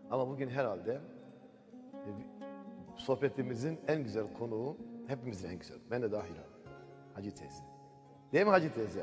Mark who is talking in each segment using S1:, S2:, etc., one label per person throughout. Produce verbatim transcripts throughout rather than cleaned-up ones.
S1: Ama bugün herhalde e, sohbetimizin en güzel konuğu, hepimizin en güzel, ben de dahil abi, Hacı teyze. Değil mi Hacı teyze?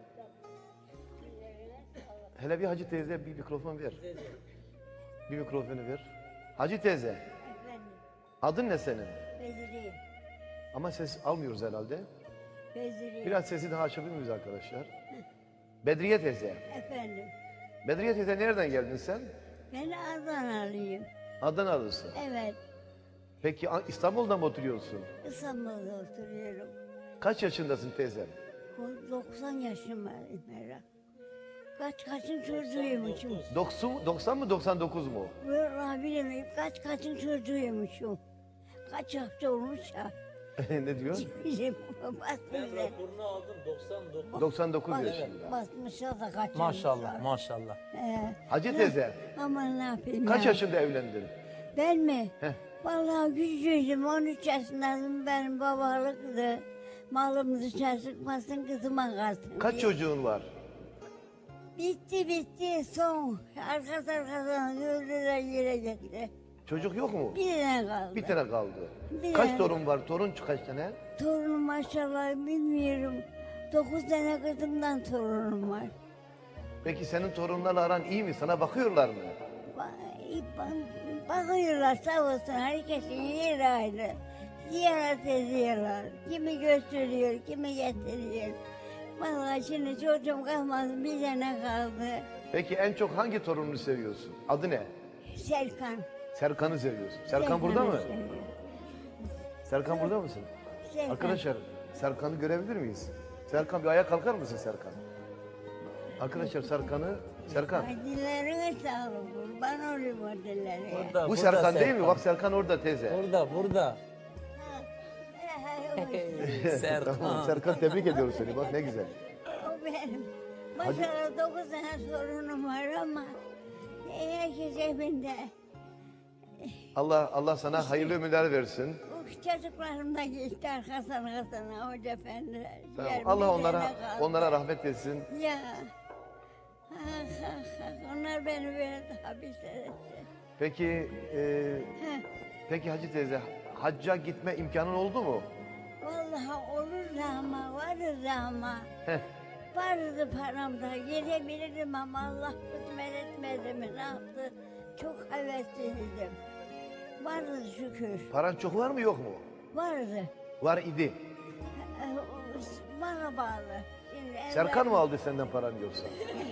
S1: Hele bir Hacı teyze bir mikrofon ver. Bir mikrofonu ver. Hacı teyze,
S2: Efendim,
S1: adın ne senin?
S2: Beziriyim.
S1: Ama ses almıyoruz herhalde.
S2: Beziriyim.
S1: Biraz sesi daha açabilir miyiz arkadaşlar? Bedriye teyze.
S2: Efendim,
S1: Bedriye teyze nereden geldin sen?
S2: ben Adanalıyım.
S1: Adanalısın.
S2: Evet,
S1: Peki A- İstanbul'da mı oturuyorsun?
S2: İstanbul'da oturuyorum.
S1: Kaç yaşındasın teyzem?
S2: O doksan yaşım var Merak. Kaç kaçın çocuğuymuşum.
S1: doksan, doksan mı doksan dokuz mu?
S2: Vallahi bilemeyim kaç kaçın çocuğuymuşum. Kaç hafta olmuş ya.
S1: Ne diyor?
S2: Bizim
S3: Ben
S2: basmışlar.
S3: raporunu aldım doksan dokuz.
S1: doksan dokuz
S2: Bas-
S1: yaşında.
S2: Basmışlar da kaçırmışlar.
S3: Maşallah maşallah.
S2: Ee,
S1: Hacı teyze,
S2: Ama ne yapayım
S1: kaç
S2: ya?
S1: yaşında evlendin?
S2: Ben mi?
S1: Heh.
S2: Vallahi küçücüğüm, on üç yaşındaydım, benim babalıktı. Malımızı çalışmasın, kızıma kalsın.
S1: Kaç
S2: diye.
S1: çocuğun var?
S2: Bitti bitti, son. Arkası arkasına öldüler, yere gitti.
S1: Çocuk yok mu?
S2: Bir tane kaldı.
S1: Bir tane kaldı.
S2: Bir
S1: Kaç
S2: tane.
S1: torun var? Torun kaç tane?
S2: Torunum maşallah bilmiyorum. Dokuz tane kızımdan torunum var.
S1: Peki senin torunlarla aran iyi mi? Sana bakıyorlar mı?
S2: Ba- ba- Bakıyorlar sağ olsun, herkesin yeri ayrı. Ziyaret ediyorlar. Kimi gösteriyor, kimi getiriyor. Vallahi şimdi çocuğum kalmadı, bir tane kaldı.
S1: Peki en çok hangi torununu seviyorsun? Adı ne?
S2: Serkan.
S1: Serkan'ı seviyorsun. Serkan burada mı?
S2: seviyorum.
S1: Serkan burada mısın?
S2: Serkan.
S1: Arkadaşlar Serkan'ı görebilir miyiz? Serkan bir ayağa kalkar mısın Serkan? Arkadaşlar Serkan'ı, Serkan.
S2: Ay dillerine sağlık, kurban olayım o dillerine.
S3: Burada,
S1: Bu
S3: burada
S1: Serkan değil mi? Bak Serkan orada teyze.
S3: Burada burada.
S2: Ha, he, he, o-
S3: Serkan.
S1: Tamam Serkan tebrik ediyoruz seni. Bak ne güzel.
S2: O benim. Maşallah dokuz tane sorunum var ama herkes evinde.
S1: Allah Allah sana hayırlı ömürler versin.
S2: Bu çocuklarım da gitti arkasına arkasına hoca efendi.
S1: Tamam.
S2: Yer
S1: Allah
S2: bir
S1: onlara
S2: tane kaldı.
S1: onlara rahmet etsin.
S2: Ya. Ah, ah, ah. Onlar beni böyle hapiste etti.
S1: Peki e,
S2: Heh.
S1: peki Hacı teyze hacca gitme imkanın oldu mu?
S2: Vallahi olur da ama varır da ama.
S1: Heh.
S2: Vardı param da gidebilirdim ama Allah kısmet etmedi mi ne yaptı? Çok hevesliydim. Vardı şükür.
S1: Paran çok var mı yok mu?
S2: Vardı.
S1: Var idi.
S2: Ee, o- Bana bağlı. Şimdi
S1: Serkan mı aldı senden paranı yoksa?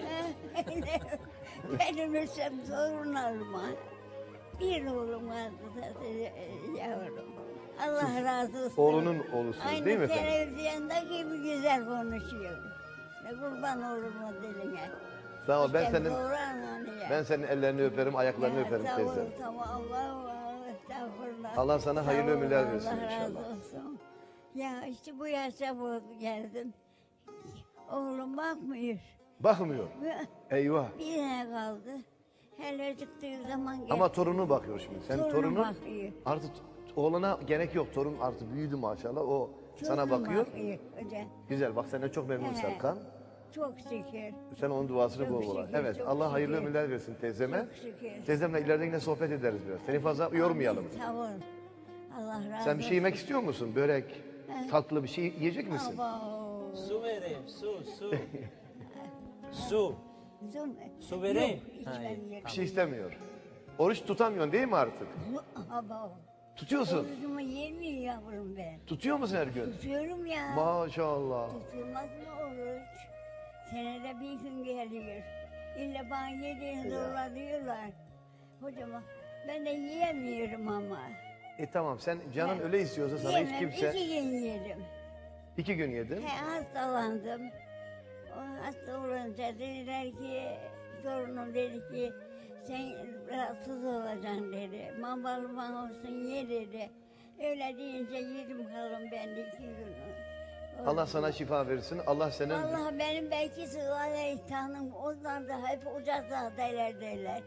S2: Benim ölsem torunlarıma. Bir oğlum vardı zaten e, yavrum. Allah razı olsun.
S1: Oğlunun oğlusunuz
S2: Aynı
S1: değil mi efendim?
S2: televizyonda gibi güzel konuşuyor. Ne kurban olurum o diline.
S1: Sağ ol ben
S2: İşte
S1: senin
S2: doğru ananı ya.
S1: ben senin ellerini öperim, ayaklarını
S2: Ya,
S1: öperim
S2: sağ ol,
S1: teyze.
S2: Tamam Allah Allah estağfurullah.
S1: Allah sana
S2: Sağ
S1: hayırlı
S2: ol,
S1: ömürler versin
S2: Allah
S1: inşallah.
S2: razı olsun. Ya işte bu yaşa bu geldim. Oğlum bakmıyor.
S1: Bakmıyor. Eyvah.
S2: Bir tane kaldı. Hele çıktığı zaman gel.
S1: Ama torunu bakıyor şimdi. Sen
S2: Torunu
S1: torunun
S2: bakıyor.
S1: artık oğlana gerek yok. Torun artık büyüdü maşallah. O sana
S2: Torunu
S1: bakıyor.
S2: Hoca.
S1: Güzel. Bak senden çok memnun
S2: He.
S1: Serkan.
S2: Çok şükür.
S1: Sen onun duasını
S2: Çok
S1: bol bol al.
S2: şükür,
S1: Evet.
S2: çok
S1: Allah hayırlı
S2: şükür.
S1: ömürler versin teyzeme.
S2: Çok şükür.
S1: Teyzemle ileride yine sohbet ederiz biraz. Seni fazla yormayalım.
S2: Sağ ol. Allah razı
S1: Sen bir şey yemek istiyor musun? Börek, tatlı bir şey yiyecek misin?
S2: Abo.
S3: Su vereyim su su. Su.
S2: Zoom.
S3: Su vereyim.
S2: Yok, hiç
S3: Ha,
S2: ben
S3: iyi.
S2: yerim.
S1: Bir şey istemiyor. Oruç tutamıyorsun değil mi artık?
S2: Abo.
S1: Tutuyorsun.
S2: Orucumu yemiyor yavrum ben.
S1: Tutuyor musun her gün?
S2: Tutuyorum ya.
S1: Maşallah.
S2: Tutulmaz mı oruç? Senede bir gün geliyor. İlla bana yediğin zorla diyorlar. Hocam ben de yiyemiyorum ama.
S1: E tamam sen canın
S2: Ben
S1: öyle istiyorsa sana hiç
S2: Yemem,
S1: kimse...
S2: iki gün yedim.
S1: İki gün yedin.
S2: He, hastalandım. O hasta olunca dediler ki, torunum dedi ki, sen rahatsız olacaksın dedi. Mambalman olsun ye dedi. Öyle deyince yedim kalın ben de iki gün.
S1: Allah sana şifa versin. Allah senin...
S2: Vallahi benim belki Sıvale İhtan'ım onlar da hep hocazadeler derler.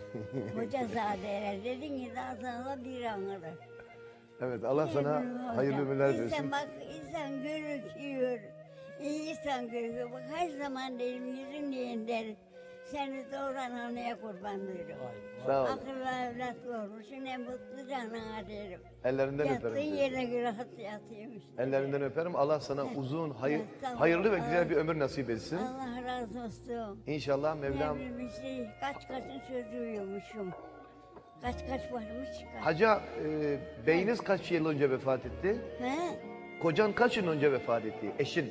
S2: Hocazadeler dedin ki daha sonra bir anılır.
S1: Evet Allah sana hayırlı ömürler
S2: İnsan
S1: versin.
S2: bak insan görüküyor. İyi insan görüyor. Bak her zaman derim yüzün diyen der. Seni doğuran anneye kurban olurum.
S1: Sağ ol.
S2: Akıllı evlat doğurmuşsun, ne mutlu canına derim.
S1: Ellerinden
S2: Yattığın
S1: öperim. teyze.
S2: yerine rahat yatayım işte.
S1: Ellerinden öperim. Allah sana uzun, hayır,
S2: Evet, tamam.
S1: hayırlı ve güzel
S2: Allah-
S1: bir ömür nasip etsin.
S2: Allah razı olsun.
S1: İnşallah Mevlam.
S2: Ne bileyim işte kaç kaçın çocuğuymuşum. Kaç kaç varmış kaç.
S1: Hacı e, beyiniz kaç yıl önce vefat etti?
S2: He?
S1: Kocan kaç yıl önce vefat etti? Eşin.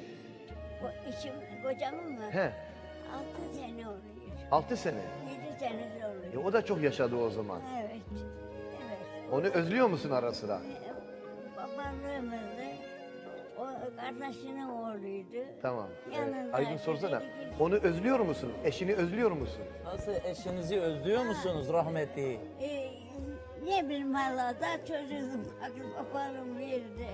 S2: O işim kocamın mı?
S1: He.
S2: Altı sene oluyor.
S1: Altı sene.
S2: Yedi sene
S1: E,
S2: oluyor.
S1: o da çok yaşadı o zaman.
S2: Evet. Evet.
S1: Onu özlüyor musun ara sıra?
S2: Ee, Babalığımızdı. O kardeşinin oğluydu.
S1: Tamam. E,
S2: Yanındaydı.
S1: Aydın sorsana.
S2: Dedi ki,
S1: Onu özlüyor musun? Eşini özlüyor musun?
S3: Nasıl eşinizi özlüyor musunuz rahmetli?
S2: E, ne bileyim valla da çocuğum akıl babalım verdi.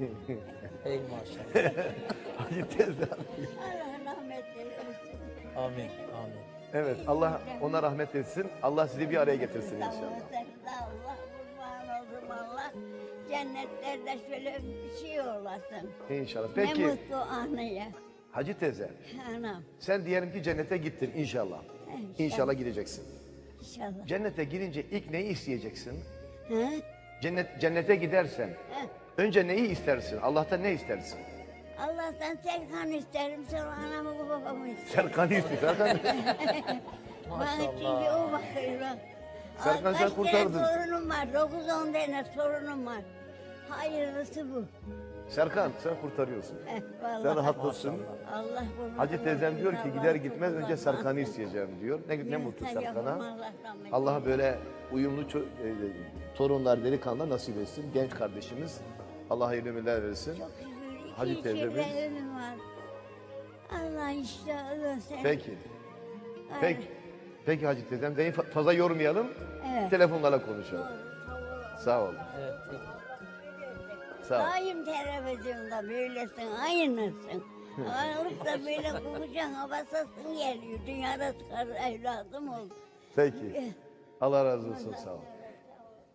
S3: Ey maşallah.
S1: Hacı teyze.
S2: Allah rahmet eylesin.
S3: Amin. Amin.
S1: Evet, Allah ona rahmet etsin. Allah sizi bir araya getirsin
S2: Sağ ol,
S1: inşallah.
S2: sen de Allah kurban oldum Allah. Cennetlerde şöyle bir şey olasın.
S1: İnşallah.
S2: Ne
S1: Peki
S2: mutlu anaya.
S1: Hacı teyze,
S2: Anam.
S1: sen diyelim ki cennete gittin inşallah.
S2: İnşallah.
S1: İnşallah gideceksin.
S2: İnşallah.
S1: Cennete girince ilk neyi isteyeceksin?
S2: He?
S1: Cennet cennete gidersen
S2: He.
S1: önce neyi istersin? Allah'tan ne istersin?
S2: Allah'tan Serkan isterim, sonra anamı babamı isterim.
S1: Serkan'ı istiyor. Serkan.
S2: Bana çünkü
S3: Maşallah.
S2: o bakıyor.
S1: Serkan,
S2: Aa,
S1: sen
S2: kaç
S1: kurtardın.
S2: tane torunum var, dokuz on tane torunum var. Hayırlısı bu.
S1: Serkan sen kurtarıyorsun.
S2: Eh, vallahi.
S1: Sen rahatlısın.
S2: Allah kurban
S1: Hacı teyzem
S2: olsun,
S1: diyor ki
S2: Allah
S1: gider gitmez
S2: kurban
S1: önce Serkan'ı
S2: olsun.
S1: isteyeceğim diyor. Ne, ne mutlu
S2: Yoksa yapamam,
S1: Serkan'a.
S2: Allah rahmet
S1: Allah böyle uyumlu ço- e, torunlar, delikanlı nasip etsin. Genç kardeşimiz. Allah hayırlı ömürler versin.
S2: Çok şükür iki
S1: Hacı
S2: Hacı
S1: teyzemiz.
S2: ömrüm var. Allah işte ölürse.
S1: Peki.
S2: Ay,
S1: Peki. Peki Hacı teyzem. Seni fa- fazla yormayalım.
S2: Evet.
S1: Telefonlarla konuşalım.
S2: Doğru,
S1: Sağ ol.
S3: Evet.
S1: Sağ ol.
S2: Daim televizyonda böylesin, aynısın. Alıp da böyle kokucan havasasın geliyor. Dünyada çıkar evladım oldu.
S1: Peki. Allah razı olsun. Sağ ol.